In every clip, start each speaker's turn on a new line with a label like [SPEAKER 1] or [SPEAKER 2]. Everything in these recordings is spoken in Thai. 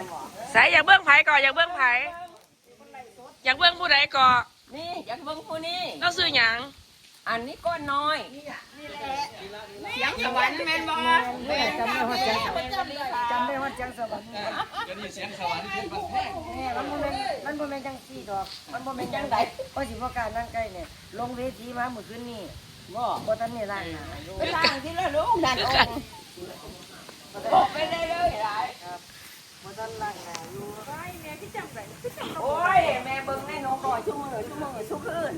[SPEAKER 1] สายอยากเบื้องไผ่ก่อนอยากเบื้องไผ่อยากเบื้องผู้ใดก่อน
[SPEAKER 2] นี่อยากเบิ่งผู้นี้
[SPEAKER 1] เราซื้อหยัง
[SPEAKER 2] อันนี้ก้อนน้อยนี่แหละเสียงสวรรค์แม่นบ่แม่จำได้ว่า
[SPEAKER 3] จังสวรรค์
[SPEAKER 4] ก็นี่เสียงสวรรค์เป็นบันแพง
[SPEAKER 3] มันบ่แม่นจังซี่ดอกมันบ่แม่นจังไดก็สิบ่กล้านั่งใกล้เนี่ยลงเวทีมาเมื่อคืนนี้บ่ทันนี่ล่างหน้า
[SPEAKER 2] ไปล่างที่ละลูกนั่นองค์บอกไปได้เลยหลาย
[SPEAKER 3] ครับบ่ทันล่างหน้าอยู่ไว้แม่ที่จังได๋
[SPEAKER 2] โอ้ยแม่เบิ่งในน้องก่อยชั่วโมงทุกคืน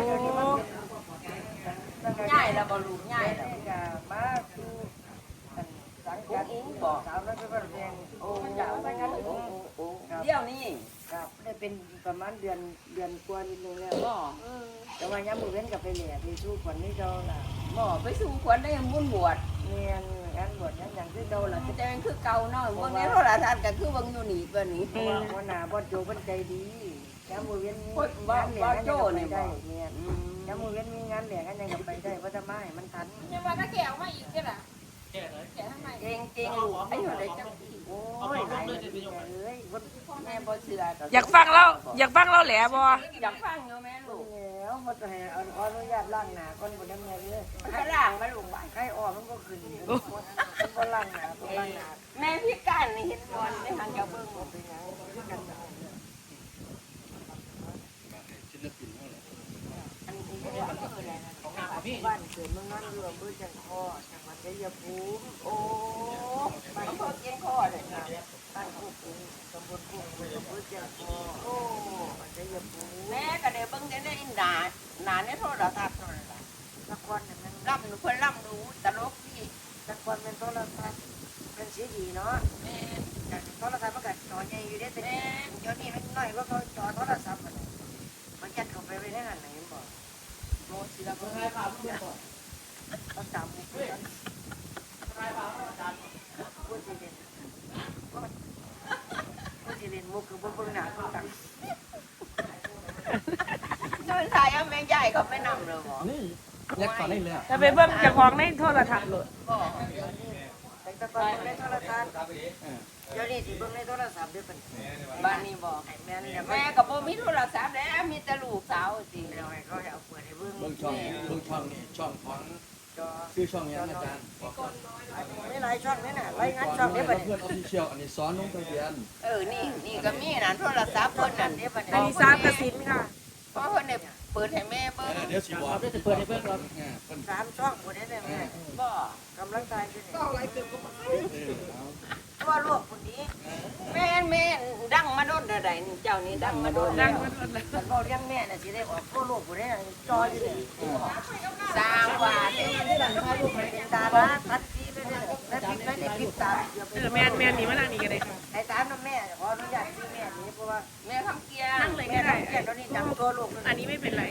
[SPEAKER 2] ง่ายแล้วบ่ลูกง่ายแล้ว
[SPEAKER 3] ก็มาคือสังกัดอิงบอกสาวน้อยเป็นแดงโอ้ยาวสังกัด
[SPEAKER 2] โอ้เดี๋ยวนี้
[SPEAKER 3] ครับได้เป็นประมาณเดือนกว่านิดนึงแล้วแต่ว่ายามมื้อเว้นก็ไปแหล่ไปสู้คนนี้เจ้าล่ะ
[SPEAKER 2] บ่ไปสู่ขวัญได้บุญบวช
[SPEAKER 3] แม่นงานบวชอย่างคือเก่าล่ะ
[SPEAKER 2] แต่มันคือเก่าเนาะเบิ่งในโทรทัศน์ก็คือเบิ่งอยู่นี่ตัวนี้
[SPEAKER 3] หัวหน้าบ่โจเพิ่นใจดียามมื้อเว้นมี
[SPEAKER 2] บ่
[SPEAKER 3] งานเหลี่ย
[SPEAKER 2] โจนี่
[SPEAKER 3] ได้แม่นยามมื้อเว้นมีงานเหลี่ยกันยังก็ไปได้บ่จะมาให้มันทัน
[SPEAKER 5] ยังว่าถ้าแก้วมาอีกก็ล่ะแก้ทำไม
[SPEAKER 2] เก่งลูกอายุได้จัง
[SPEAKER 3] โอ้ยหลายเลย
[SPEAKER 2] แม่บ่เชื่อ
[SPEAKER 1] อยากฟังเราแหล่บ่
[SPEAKER 2] อยากฟังอยู่แม่ลูก
[SPEAKER 3] แล้วบ่จะให้ขออนุญาตล้างหน้าก่อนบ่ได้แม่เลย
[SPEAKER 2] ให้ล้างมาลูกบ่
[SPEAKER 3] ไข้ออกมันก็ขึ้นมันบ่ล้างหน้าบ่ล้างหน้า
[SPEAKER 2] แม่พิการนี่เห็นบ่ในทางจะเบิ่ง
[SPEAKER 3] เป็นหยังคือกัน
[SPEAKER 4] ศิลปินเท่าไหร่
[SPEAKER 2] อันนี้คืออะไรนะ
[SPEAKER 3] บ้านเกิดเมืองนอนอยู่อำเภอจันทร์คอจังหวัดชัยภูมิ
[SPEAKER 2] โอ้บ้านเพิ่นเกียนคอเลยค่ะ
[SPEAKER 3] บ้านผู้ปู่ตำบลผู้ปู่อำเภอจันทร์คอ
[SPEAKER 2] โอ้
[SPEAKER 3] ชัยภูมิ
[SPEAKER 2] แม่ก็ได้เบิ่งได้ในหน้าในโทรทัศน์นั่นล่ะ
[SPEAKER 3] ละครเนี่ยมัน
[SPEAKER 2] ล่ำเพิ่นล่ำรู้ตลกดี
[SPEAKER 3] ละครเป็นโทรทัศน์เป็นสีดีเนาะ
[SPEAKER 2] แม่
[SPEAKER 3] โทรทัศน์มันก็จอใหญ่อยู่ได้แต่เดี๋ยวนี้มันน้อยกว่าเขาจอโทรศัพท์มันยัดเข้าไปไว้ในนั้นไหนบ่
[SPEAKER 2] โมศิลปะให้พาเพื่อนก่อน
[SPEAKER 3] เขาจำพูดสิเด่นมุกคือบ่เบิ่งหน้าเบิ่งตา
[SPEAKER 2] โดนถ่ายเอาแม่ใหญ่เขาไม่นำเลยบ่
[SPEAKER 4] นี่ยักษ์ก่อนได้เลย
[SPEAKER 1] จะไปเบิ่งเจ้าของในโทรทัศน์โลด
[SPEAKER 3] แต่ก่อนในโทรทัศน์เดี๋ยวนี้สิเบิ่งในโทรศัพท์เด้อเพิ่น
[SPEAKER 2] บ้านนี้บ่แม่ก็บ่มีโทรศัพท์แล้วมีแต่ลูกสาวสิ
[SPEAKER 3] แล้วให้เขาเอาเปิดให้เบิ่ง
[SPEAKER 4] ช่องนี่ช่องของชื่อช่องยังอาจารย์
[SPEAKER 3] ไม่หลายช่องนี่น่ะรายงานช่องนี้บัดนี้
[SPEAKER 4] เพื่อนออฟฟิเชียลอันนี้สอนลงทะเบียน
[SPEAKER 2] นี่ก็มีนั่นโทรศัพท์เพิ่นนั่น
[SPEAKER 1] อันนี้3กสินค่ะ
[SPEAKER 2] เพราะเพิ่นเนี่ยเปิดให้แม่เบิ่ง
[SPEAKER 4] เดี๋ยวสิบอก
[SPEAKER 3] จะเปิดให้เบิ่งก่อน3ช่องบ่ได้แม่
[SPEAKER 2] บ่
[SPEAKER 3] กำลังตายอยู่นี่
[SPEAKER 5] ก็หลายเติบก็บ่
[SPEAKER 3] ตัวลูกคนนี้
[SPEAKER 2] แม่ดังมาโดนใดนี่เจ้านี่ดังมาโดนแล้ว
[SPEAKER 3] ฉันบอกเลี้ยงแม่น่ะสิได้ออกตัวลูกผู้ใดจออยู่นี่
[SPEAKER 2] สร้างว่า
[SPEAKER 3] ที่หลังพาลูกไปเป็นตาบ้าทัดทีไปเลยแล้วปิดไม่ได้ปิดตา
[SPEAKER 1] แม่นี่มานั่งนี่ก็ได้ค่ะ
[SPEAKER 3] ไอ้ตามน้ำแม่ขออนุญาตที่แม่นี่เพราะว่า
[SPEAKER 2] แม่คำเกียร์
[SPEAKER 1] นั่งเลยก็ได้
[SPEAKER 3] ตอนนี้จำตัวลูก
[SPEAKER 1] อันนี้ไม่เป็นไร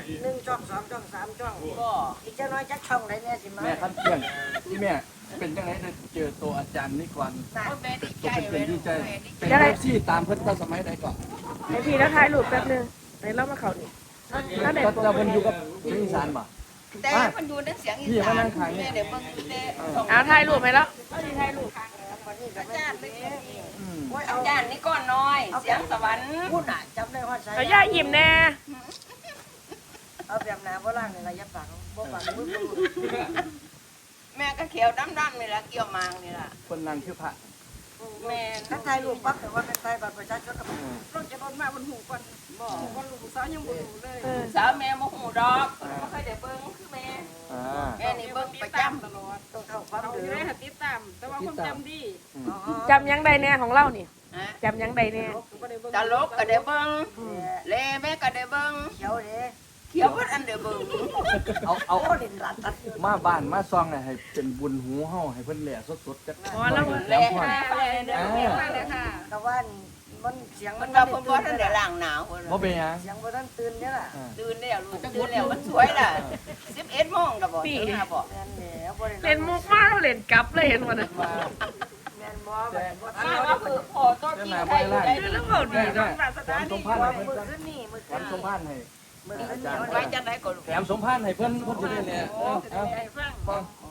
[SPEAKER 3] 1ช่อง2ช่อง3ช่อง
[SPEAKER 2] ก็
[SPEAKER 3] อีกจะน้อยจักช่องไหนแม่สิมา
[SPEAKER 4] แม่คันเที่ยงที่แม่เป็นจังไดได้เจอตัวอาจารย์นี่ก่อน
[SPEAKER 2] แม่ดีใจ
[SPEAKER 4] เป็นดีใจเป็นที่ตามเพิ่นตั้งสมัยใดก่อน
[SPEAKER 1] ให้พี่แล้วถ่ายรูปแป๊บนึงไปเล่ามาเขานี่
[SPEAKER 4] แล้วเด็กจะเพิ่นอยู่กับอีสานบ่
[SPEAKER 2] แต่มันอยู่ในเสียงอีสานแม่เดี๋ยวเบิ่ง
[SPEAKER 1] เอาถ่ายรูปไหมแล้วถ่ายรูป
[SPEAKER 2] อาจารย์อาจารย์นี่ก้อนน้อยเสียงสวรรค์
[SPEAKER 3] พูดน่ะจำได้ว่าใช่
[SPEAKER 1] เขาย่ายิ้มแน่
[SPEAKER 3] เอาแบบหนาโบราณนี่ล่ะอย่าฝังบ่ฝังมือ
[SPEAKER 2] แม่ก็เขียวดำๆนี่ล่ะเกี่ยวมางนี่ล่ะ
[SPEAKER 4] คนนั่งคือพระ
[SPEAKER 2] แม่
[SPEAKER 3] ถ้าถ่ายรูปปั๊บแต่ว่าเป็นถ่ายบัตรประชาชนก็
[SPEAKER 5] ต้องจะโดนมาบนหูก่อนบ่บ่ลูกสาวยังบ่รู้เลย
[SPEAKER 2] สาวแม่บ่ฮู้ดอกบ่เคยได้เบิ่งคือแม่แม่นี่เบิ่งประจำ
[SPEAKER 5] ตลอด
[SPEAKER 3] ต้องเข้าความ
[SPEAKER 5] เอาอยู่ได้ติดตามแต่ว่าความจำดี
[SPEAKER 1] จำยังใดแน่ของเรานี่จำยังใดแน่
[SPEAKER 2] ตลกก็ได้เบิ่งเลแม่ก็ได้เบิ่ง
[SPEAKER 3] เขียวเด้
[SPEAKER 2] เขียวเพิ่นอันเด้เบิ่ง
[SPEAKER 4] เอาเด่นรัดมาบ้านมาซองให้เป็นบุญหูเฮาให้เพิ่นแหล่สดๆจัก
[SPEAKER 1] อ๋อแล้ว
[SPEAKER 2] แหล่เด้
[SPEAKER 5] ค่ะ
[SPEAKER 3] แต่ว่ามันเสียง
[SPEAKER 2] มันว่าเพิ่นบ่ทันได้ล้างหนาวเพิ่น
[SPEAKER 4] บ่เป็นหยัง
[SPEAKER 3] เสียงบ่ทันตื่นเด้อล่ะ
[SPEAKER 2] ตื่นแล้วลูกตื่นแล้วมันสวยล่ะ11 โมงก็บ่ตื่นมาบ่
[SPEAKER 3] แม่นแล้วบ่ได้
[SPEAKER 1] เล่นมุกมาเราเล่นกลับเลยเห็นว่าน่ะ
[SPEAKER 3] แม่นบ่บ่ทัน
[SPEAKER 2] ว่าคือพอต้นที่ใครอยู่ได้
[SPEAKER 1] แล้วเว้าดีเนาะ
[SPEAKER 4] แถมสมภารให้เพิ่นแถมสมภารให้
[SPEAKER 2] ไว้จังได๋ก็
[SPEAKER 4] แถมสมภารให้เพิ่นสิได้แหละ
[SPEAKER 3] บ่ได้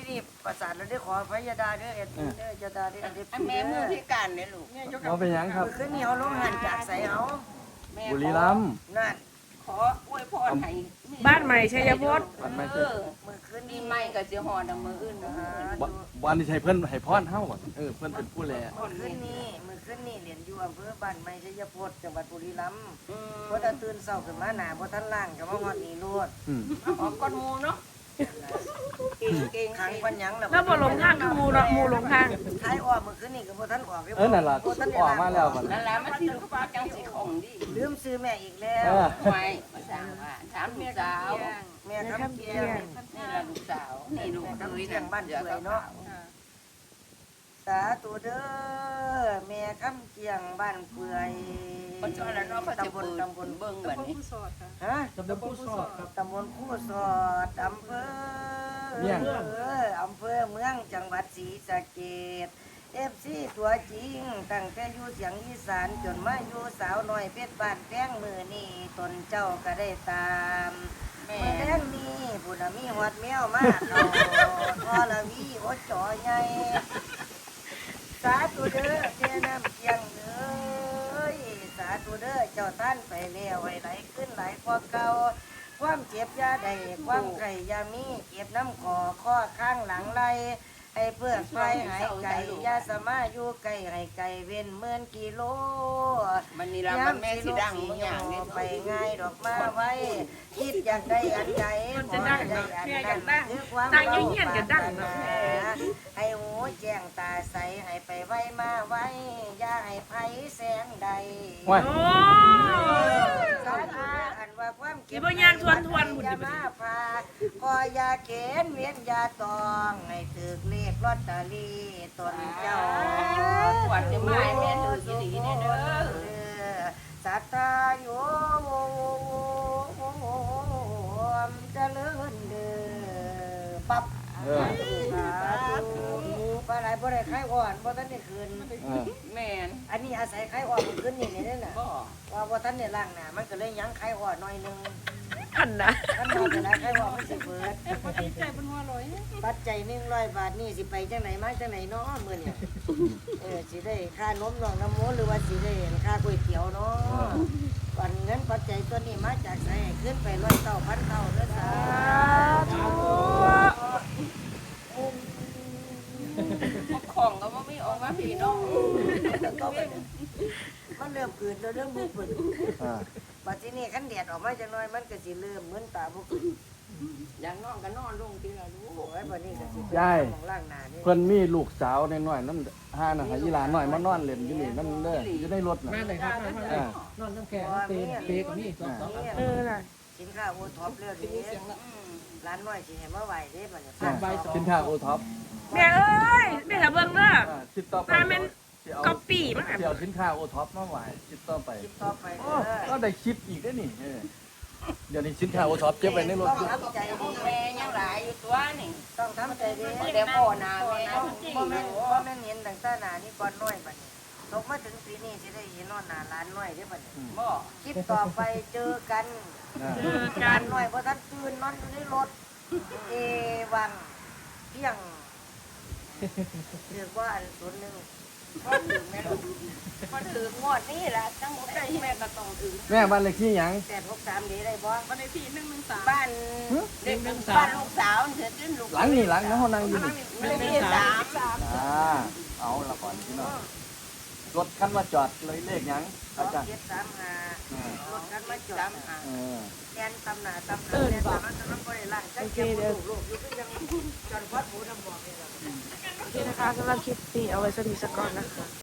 [SPEAKER 3] นี่ประสานแล้วได้ขอพยาดาเด้อเอ็ดเด้อยาดาเด้อเด็ด
[SPEAKER 2] แม่มือพิการเนี่ยลูก
[SPEAKER 4] บ่เป็นหยังครับ
[SPEAKER 3] ขึ้นนี่เขาลงหันจากใส่เอา
[SPEAKER 2] แม่
[SPEAKER 4] บุรีรัมย์
[SPEAKER 3] นั่น
[SPEAKER 2] ขออวยพรให้
[SPEAKER 1] บ้านใหม่ชัยพจน์
[SPEAKER 4] มันไม่
[SPEAKER 2] เอ
[SPEAKER 4] ใช่
[SPEAKER 2] อ
[SPEAKER 3] มือขึ้น
[SPEAKER 2] ดี
[SPEAKER 3] นี่
[SPEAKER 2] ไม่ก็สิฮอดมื้ออื่น
[SPEAKER 4] บ่อันนี้ใช่เพิ่นให้พรเฮาอะเพิ่นเป็นผู้แล
[SPEAKER 3] มือขึ้นนี่เหรียญอยู่อำเภอบ้านไม้ชัยพจน์จังหวัดบุรีรัมย์เพราะถ้าตื่นเช้าขึ้นมาหน้าบ่ทันล้างก็มาฮอดนี่โลด
[SPEAKER 4] อืม
[SPEAKER 2] ออกก้อนหมูเนาะเก่ง
[SPEAKER 3] ขังปัญญัง
[SPEAKER 1] แล้วบ่หลงทางคือหมูเนาะหมูหลงทาง
[SPEAKER 3] ท้ายออกมือขึ้นนี่ก็บ่ทันออก
[SPEAKER 4] นั่นล่ะออกมาแล้วบัด
[SPEAKER 2] นั่นล่ะมันสิลูกจังสิของดี
[SPEAKER 3] ลืมซื้อแม่อีกแล้ว
[SPEAKER 2] ไม่มาสั่งว่าถามลูกสาว
[SPEAKER 3] แม่คำเกียง
[SPEAKER 2] นี่ล่ะลูกสาวนี่ลูกเคยนั่นบ้านเดือเนาะ
[SPEAKER 3] สาธุเด้อแม่คำเกียงบ้านเปื่อย
[SPEAKER 2] คนชอบแล้วเนาะเขาจะ
[SPEAKER 3] ตำบล
[SPEAKER 2] ตำบลเบิ่งแบบนี้
[SPEAKER 5] ผู้สอดค่ะ
[SPEAKER 3] ฮะ
[SPEAKER 4] ตำบลผู้สอดครับ
[SPEAKER 3] ตำบลคู่สอดอำเภอ
[SPEAKER 4] เมี่ยง
[SPEAKER 3] อำเภอเมืองจังหวัดศรีสะเกษFC ตัวจริงตั้งแต่อยู่เสียงอีสานจนมาอยู่สาวน้อยเพชรบ้านแป้งมือนี่ตนเจ้าก็ได้ตามเมื่อแรงนี้ผู้น่ะมีหอดแมวมากเขาทอละวีโอดจ่อใหญ่สาธุเด้อเจ้าน้ำเกียงเอ้ยสาธุเด้อเจ้าท่านไปแล้วไว้ไหลขึ้นไหลกว่าเก่าความเจ็บยาใดความไก่ยามีเก็บน้ำคอข้อข้างหลังไหลให้เพื่อไฟหายไก่ยาสมาอยู่ไก่ให้ไก่เว้นเมื่อนกิโล
[SPEAKER 2] มันนี่ล่ะมันแม่สิดังบางอย่างนี่
[SPEAKER 3] ไปง่ายดอกมาไว้คิดอยากได้อันใด
[SPEAKER 1] มันจะดังเนาะแม่อยากดัง
[SPEAKER 3] คือความ
[SPEAKER 1] ดังเงียบๆก็ดังเนาะ
[SPEAKER 3] ให้หูแจ้งตาใสให้ไปไว้มาไว้อย่าให้ไผแสงใด
[SPEAKER 4] ว้าย
[SPEAKER 1] โอ้
[SPEAKER 3] สาธุอันว่าความเก็บ
[SPEAKER 1] สิบ่ย่างทวนๆพุ่น
[SPEAKER 3] อย่ามาพาขอยาเข็นเวียนยาตองให้ถึกเลขลอตเตอรี่ตนเจ้า
[SPEAKER 2] ปวดจะมาแม่ถือสิดีเนี่ยเด้อ
[SPEAKER 3] สัตตาโยมเจริญเด้อปั๊บ
[SPEAKER 4] เออ
[SPEAKER 3] ปลาไหลบ่ได้ไข่อ่อนบ่ทันได้คืน
[SPEAKER 4] เออ
[SPEAKER 2] แม่น
[SPEAKER 3] อันนี้อาศัยไข่อ่อนมันขึ้นนี่นี่น่ะ
[SPEAKER 2] บ่
[SPEAKER 3] ว่าบ่ทันได้ล้างหน้ามันก็เลยยังไข่อ่อนหน่อยนึง
[SPEAKER 1] พันนะ
[SPEAKER 3] คันว่าจะได้ไข่อ่อนมันสิเบิด
[SPEAKER 5] พอดีใจเป็นหัวลอย
[SPEAKER 3] ปัจจัย100 บาทนี่สิไปจังไหนมาจังไหนเนาะมื้อนี้สิได้ค่านมน้องน้ำมูหรือว่าสิได้ค่าก๋วยเตี๋ยวเนาะวันเงินปัจจัยตัวนี้มาจากไสขึ้นไป100เท่าพันเท่าเด้อสาธุ
[SPEAKER 2] ของก็บ่มีออกมาพี่น้อง
[SPEAKER 3] มันเริ่มขืนแล้วเริ่มบุกเบิด
[SPEAKER 4] อ่า
[SPEAKER 3] บัดทีนี้คันแดดออกมาจังน้อยมันก็สิเริ่มมึนตาบ่ขึ้น
[SPEAKER 2] อย่างน้องก็นอนลงทีละลูก
[SPEAKER 3] โอ้ยบัดนี้ก็สิ
[SPEAKER 4] ยาย
[SPEAKER 3] มองล่างหน้านี่
[SPEAKER 4] เพิ่นมีลูกสาวน้อยๆนั่นห้าน่ะให้อีหลานน้อยมานอนเล่นอยู่นี่นั่นเด้ออยู่ในรถน่ะ
[SPEAKER 6] มาเลยครับมาเลย
[SPEAKER 4] อ่า
[SPEAKER 6] นอนน้ำแข็งเปย์เปย์กับนี่สอง
[SPEAKER 1] เออน่ะ
[SPEAKER 3] สินค้าโอท็อปแล้วทีนี้ร้านน้อยสิให้มาไหวเด้บัดนี้
[SPEAKER 4] สินค้าโอท็อป
[SPEAKER 1] แม่เอ้ยแม่ถ้าเบิ่งเด้อ
[SPEAKER 4] ติดต่อไป
[SPEAKER 1] ถ้าแม่น
[SPEAKER 4] สิเอา
[SPEAKER 1] ก๊อปปี้มัน
[SPEAKER 4] สิเอาสินค้าโอท็อปมาไหวติดต่อไป
[SPEAKER 3] คิดต่อไป
[SPEAKER 4] โอ้
[SPEAKER 3] เด้อ
[SPEAKER 4] ก็ได้คลิปอีกได้อนี่เดี๋ยวนี้สินค้าโอท็อปเก็บไว้ในรถ
[SPEAKER 3] ต้อง
[SPEAKER 4] อยู่
[SPEAKER 3] ทำใจดี
[SPEAKER 2] แม่ยังหลายอยู่ตัวนี่
[SPEAKER 3] ต้องทำใจดี
[SPEAKER 2] เดี๋ยวพ่อนาแม่
[SPEAKER 3] บ่แม่นเห็นตั้งแต่หน้านี่ก่อนน้อยบัดนี้ตกมาถึงปีนี้สิได้เห็นนอนหน้าร้านน้อยเด้อบัดนี้
[SPEAKER 2] บ่
[SPEAKER 3] คลิปต่อไปเจอกัน
[SPEAKER 4] อ่า
[SPEAKER 1] เจอกั
[SPEAKER 3] กาน รหน่อยเพราะท่านตื่นนอนอยู่ในรถเอวังเพียงเรียกว่าอันส่วนหนึ่ง
[SPEAKER 2] พอถึงแม่ลูกพอถึงงวดนี้ล่ะจังบ่ได้แม่ก็ต้องถึง
[SPEAKER 4] แม่บ้านเลขที่หยัง
[SPEAKER 3] 863ดีได้บ่
[SPEAKER 5] วันในที่113
[SPEAKER 2] บ้านเด็กบ้านลูกสาวเถิดขึ้นลูก
[SPEAKER 4] หลังนี่หลังนะเฮานั่งอยู่นี่
[SPEAKER 2] ไม่ได้ที่สาม
[SPEAKER 4] อ่าเอาละก่อนพี่น้องรถคันมาจอดเลยเลขหยังอาจารย์
[SPEAKER 3] 2735รถกันมาจอด
[SPEAKER 4] เออ
[SPEAKER 3] แกนตำหน้าตำหลังแกนตำหน้าตำหลังบ่ได้ล้างจักเก็บลูกอยู่คือยังจนพอดหูน้ำบอกนี่ล่ะ
[SPEAKER 1] โอเคนะคะสำหรับคลิปนี้เอาไว้สนิทสักก่อนนะคะ